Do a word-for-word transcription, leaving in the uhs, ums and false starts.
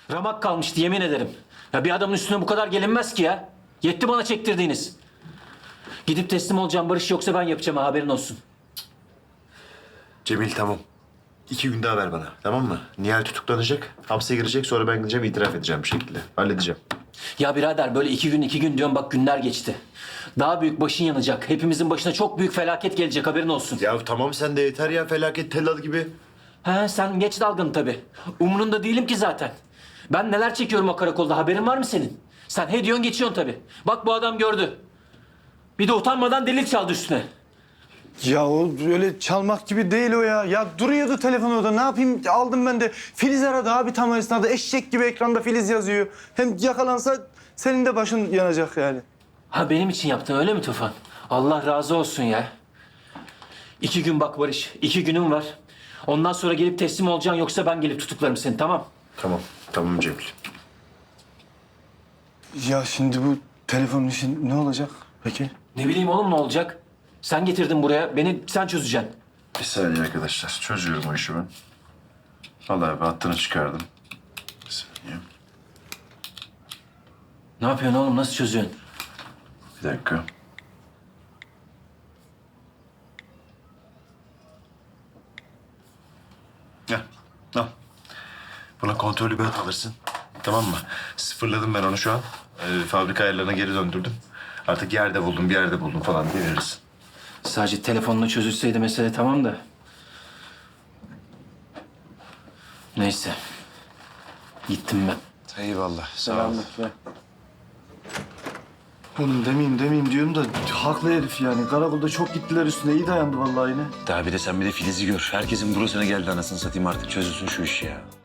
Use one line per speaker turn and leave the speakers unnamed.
Ramak kalmıştı yemin ederim. Ya bir adamın üstüne bu kadar gelinmez ki ya. Yetti bana çektirdiğiniz. Gidip teslim olacağım Barış, yoksa ben yapacağım, haberin olsun.
Cemil tamam. İki gün daha ver bana, tamam mı? Nihal tutuklanacak, hapse girecek, sonra ben gideceğim, itiraf edeceğim bir şekilde. Halledeceğim.
Ya birader, böyle iki gün iki gün diyorum, bak günler geçti. Daha büyük başın yanacak. Hepimizin başına çok büyük felaket gelecek, haberin olsun.
Ya tamam sen de yeter ya, felaket tellal gibi.
He, sen geç dalgın tabii. Umrunda değilim ki zaten. Ben neler çekiyorum o karakolda, haberin var mı senin? Sen he diyorsun geçiyorsun tabii. Bak bu adam gördü. Bir de utanmadan delil çaldı üstüne.
Ya o öyle çalmak gibi değil o ya. Ya duruyordu telefon orada. Ne yapayım? Aldım ben de. Filiz aradı abi tam o esnada. Eşek gibi ekranda Filiz yazıyor. Hem yakalansa senin de başın yanacak yani.
Ha, benim için yaptın öyle mi Tufan? Allah razı olsun ya. İki gün bak Barış, iki günüm var. Ondan sonra gelip teslim olacaksın, yoksa ben gelip tutuklarım seni, tamam?
Tamam, tamam Cemil.
Ya şimdi bu telefonun işi ne olacak peki?
Ne bileyim oğlum, ne olacak? Sen getirdin buraya, beni sen çözeceksin.
Bir saniye arkadaşlar, çözüyorum o işi ben. Vallahi ben hattını çıkardım. Bir saniye.
Ne yapıyorsun oğlum, nasıl çözüyorsun?
Bir dakika. Gel, al. Buna kontrollü bir hat alırsın. Tamam mı? Sıfırladım ben onu şu an. Ee, fabrika ayarlarına geri döndürdüm. Artık yerde buldum, bir yerde buldum falan diye verirsin.
Sadece telefonla çözülseydi mesele, tamam da. Neyse. Gittim ben.
Eyvallah, sağ ol.
Oğlum demeyeyim demeyeyim diyorum da haklı herif yani. Karakolda çok gittiler üstüne. İyi dayandı vallahi yine.
Daha bir de sen bir de Filiz'i gör. Herkesin burasına geldi anasını satayım, artık çözülsün şu iş ya.